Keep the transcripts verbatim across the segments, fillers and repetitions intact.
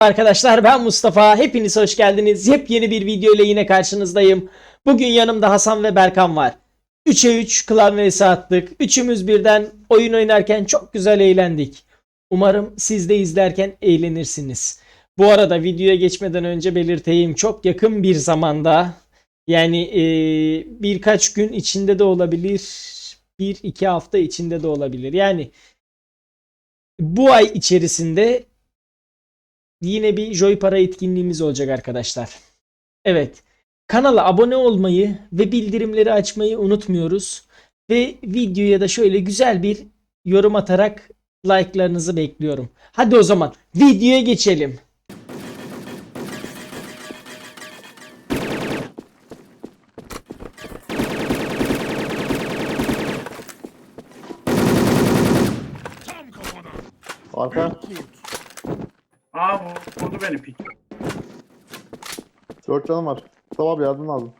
Arkadaşlar ben Mustafa. Hepiniz hoş geldiniz. Yepyeni bir video ile yine karşınızdayım. Bugün yanımda Hasan ve Berkan var. üçe üç klan vs attık. Üçümüz birden oyun oynarken çok güzel eğlendik. Umarım siz de izlerken eğlenirsiniz. Bu arada videoya geçmeden önce belirteyim. Çok yakın bir zamanda, yani ee, birkaç gün içinde de olabilir. Bir iki hafta içinde de olabilir. Yani bu ay içerisinde yine bir Joypara etkinliğimiz olacak arkadaşlar. Evet. Kanala abone olmayı ve bildirimleri açmayı unutmuyoruz. Ve videoya da şöyle güzel bir yorum atarak like'larınızı bekliyorum. Hadi o zaman videoya geçelim. Arka. Aa vurdu beni pik. Dört canım var. Mustafa abi yardım lazım.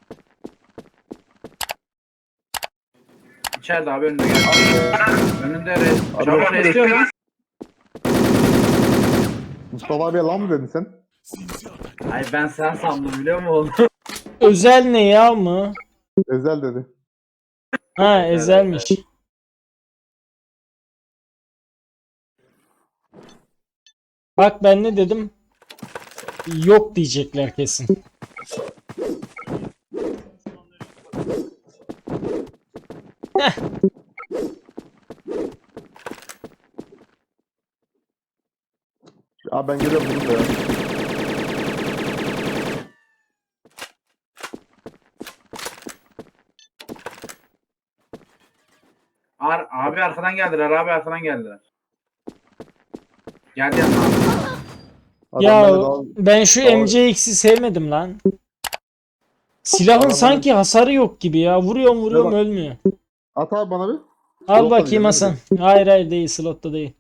İçeride abi önünde geldi. Önünde res. Abi, Çabuk abi, restiyor lan. Mustafa abiye lan mı dedin sen? Ay ben sen sandım biliyor musun oğlum? Özel ne ya mı? Ezel dedi. Ha ezelmiş. Bak ben ne dedim? Yok diyecekler kesin. Heh. Ya ben geliyorum bunu da ya. Ar abi arkadan geldiler abi arkadan geldiler. Geldi yanına abi. Adam Ya beni daha- ben şu daha- M C X'i sevmedim lan. Silahın Adam sanki hasarı yok gibi ya. Vuruyorum vuruyorum bak. ölmüyor. At abi bana bir. Al Slotta bakayım diyeceğim, Hasan. Hayır hayır değil, slotta değil.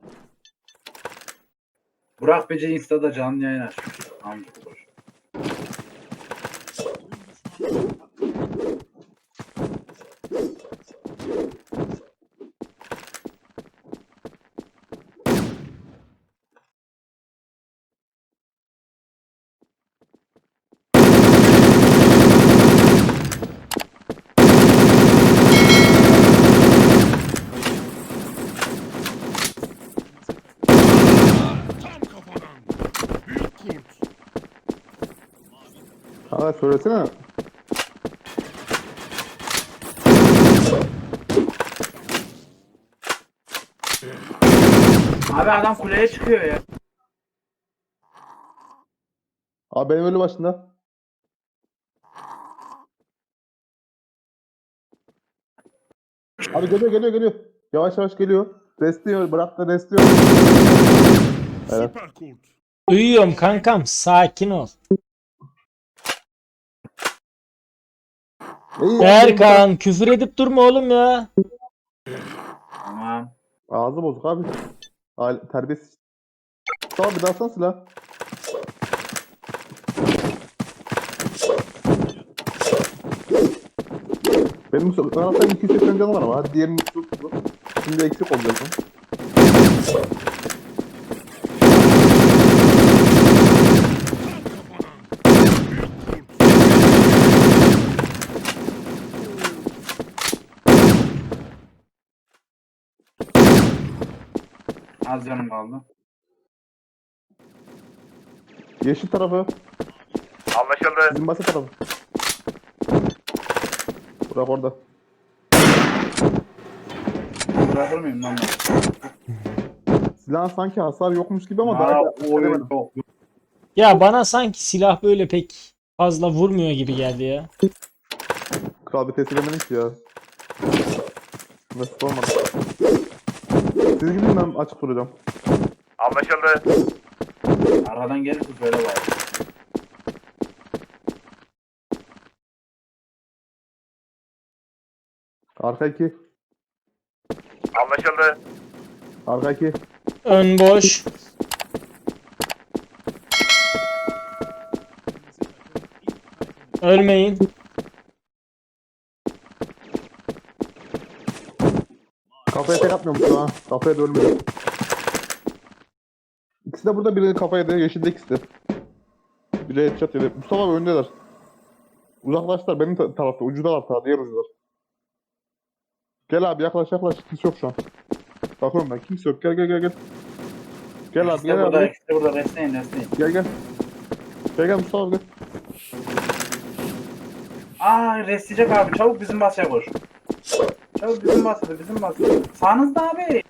Burak Bece Insta'da canlı yayın açmış. Amca. Ha söylesene. Abi adam kuleye çıkıyor ya. Abi benim ölü başında. Abi geliyor geliyor geliyor. Yavaş yavaş geliyor. Restliyor bırak da restliyor. Evet. Süper kurt. Uyuyorum kankam, sakin ol. İyi, Berkan küfür edip durma oğlum ya. Tamam. Ağzı bozuk abi. Aile, terbiyesiz. Tamam bir daha alsana silah. Benim Galatasaray'ın iki yüz seksen canı var ama hadi diğerinin üstü tuttu. Şimdi eksik olacak mı? Az canım kaldı. Yeşil tarafı. Anlaşıldı. Bizim basa tarafı. Bırak orada. Bırakır mıyım lan ben? Silahın sanki hasar yokmuş gibi ama daha Aa, da oy, edemedim. yok. Ya bana sanki silah böyle pek fazla vurmuyor gibi geldi ya. Kral bir tesir edemedim ki ya. Nasıl olmadı. Siz gidin ben açık duracağım. Anlaşıldı. Arkadan gelirse söyle bari. Arka iki. Anlaşıldı. Arka iki. Ön boş. Ölmeyin. Kafaya tek atmıyor musun ha? Kafaya da ölmedi. İkisi de de burada, biri kafaya yedi. Yeşilde ikisi de. Biri headshot yedi. Mustafa abi öndeler. Uzaklaştılar benim ta- tarafta. Ucudalar ta. Diğer ucudalar. Gel abi yaklaş yaklaş. Kimse yok şu an. Bakıyorum ben. Kimse yok. Gel gel gel gel. Gel abi İkisi de gel burada, abi. ikisi de burada. Restleyin, restleyin. Gel gel. Gel gel Mustafa abi gel. Aa restleyecek abi. Çabuk bizim basya koş. Çabuk bizim basya, bizim basya. Sağınızda abi.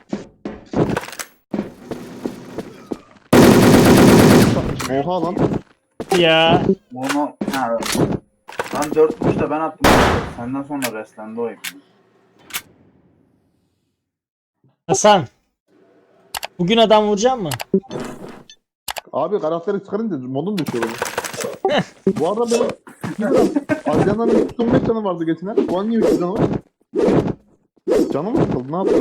Oha lan. Ya. Bunu ha. Lan dört vuruş da ben attım. Senden sonra restlendi o hep. Hasan. Bugün adam vuracak mı? Abi karakteri çıkarınca modun düşüyor benim. Bu arada benim biraz Adrian'ın üç yüz on beş canı vardı geçen ay. Bu an niye üç yüz canı var? Canım mı sıkıldı? Ne yaptı?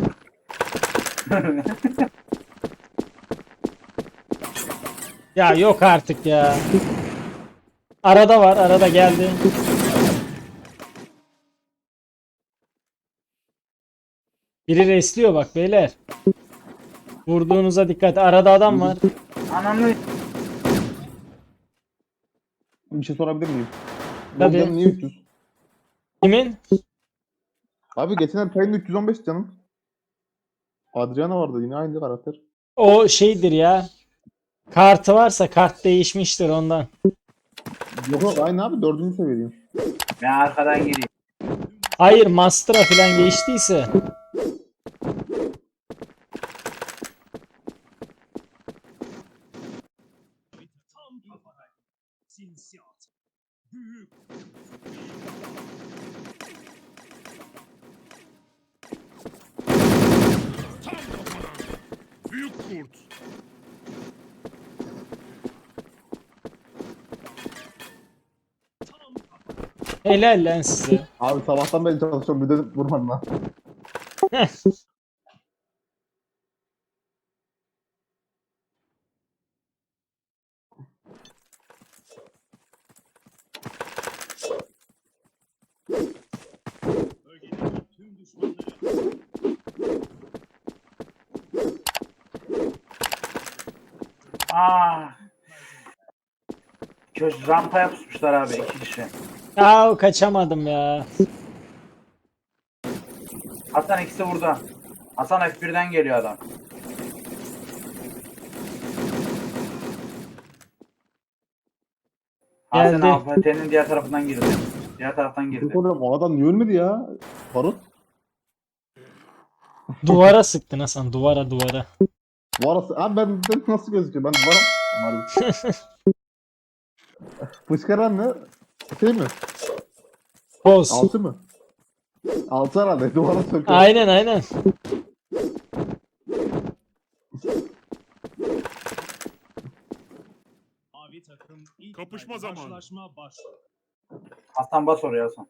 Ya yok artık ya. Arada var, arada geldi. Biri resliyor bak beyler. Vurduğunuza dikkat. Arada adam var. Ananı. Bir şey sorabilir miyim? Tabii. Benim canım niye üç yüz? Kimin? Abi geçen ay Payne'de üç yüz on beş canım. Adriana vardı yine aynı karakter. O şeydir ya. Kartı varsa kart değişmiştir ondan. Yok yok aynı abi dördüncü seviyeyim. Ben arkadan gireyim. Hayır, Master'a falan geçtiyse. Büyük kurt. Helal lan size. Abi sabahtan beri çalışıyorum bir de vurmadın lan. Bölgedeki tüm düşmanları Aa. Köş rampaya pusmuşlar abi iki kişi. Aa, kaçamadım ya. Hasan ikisi burada. Hasan F birden geliyor adam. Hasan Geldi. Alfate'nin diğer tarafından girdi. Diğer taraftan girdi. Oğlum o adam niye ölmedi ya? Barut. Duvara sıktın Hasan, duvara duvara. Bu arası. Abi ben ben nasıl gözüküyor? Ben varım. Umarım. Fışkıran ne? Şey mi? Boz. Altı mı? Altı herhalde. Duvara söküyor. Aynen aynen. mavi takım ilk kapışma zamanı. Karşılaşma başlıyor. Hasan bas oraya Hasan.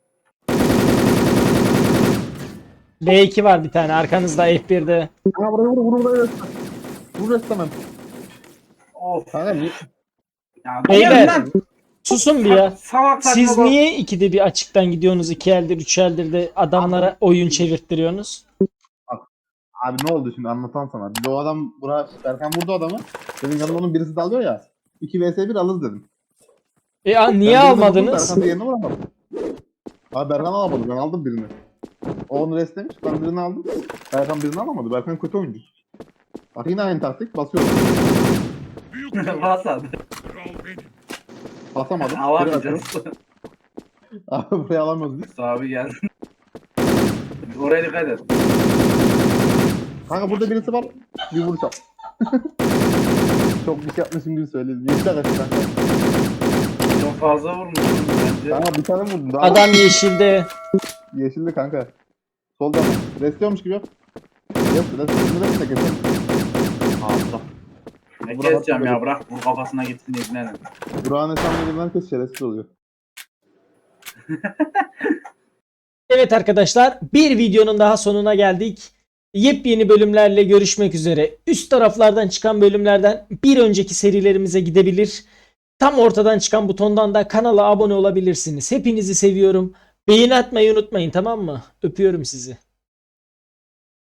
B iki var bir tane arkanızda F birde. Ha buraya vur vur buraya. Vur restemem. Of. Kanka niye? Ya, Beyler, lan. susun bir ya. Salak saçma Siz gol. niye ikide bir açıktan gidiyorsunuz, iki eldir üç eldir de adamlara oyun çevirttiriyorsunuz? Abi ne oldu şimdi anlatan sana. Bir de o adam buraya Berkan vurdu adamı. Senin yanında onun birisi dalıyor ya. iki vs bir alırız dedim. E a, niye Ben birini vurdum, almadınız? Berkan diğerini vuramadım. Abi Berkan alamadı. Ben aldım birini. O onu restlemiş. Ben birini aldım. Berkan birini alamadı. Berkan kötü oyuncu. Bak yine aynı taktik. Basıyorum. Büyük kurt. Hasan. Kral benim. Basamadım. Geri Alamayacağız. atıyorum. Abi buraya alamıyoruz biz. Abi geldi. Oraya dikkat et. Kanka burada birisi var. Bir vuruş yap. Çok bir şey yapmışım gibi söyledim. Yeşil kaçtı kanka. Çok fazla vurmuşsun bence. Kanka bir tane vurdum. Daha Adam yeşilde. Yeşilli kanka. Solda. Restliyormuş gibi yap. Rest, rest, rest, rest de kesin. Allah. Ne Burak keseceğim ya atladı. bırak vur kafasına gitsin ibnenin. Burak'ın hesabına herkes şerefsiz oluyor. Evet arkadaşlar, bir videonun daha sonuna geldik. Yepyeni bölümlerle görüşmek üzere. Üst taraflardan çıkan bölümlerden bir önceki serilerimize gidebilir. Tam ortadan çıkan butondan da kanala abone olabilirsiniz. Hepinizi seviyorum. Beğeni atmayı unutmayın, tamam mı? Öpüyorum sizi.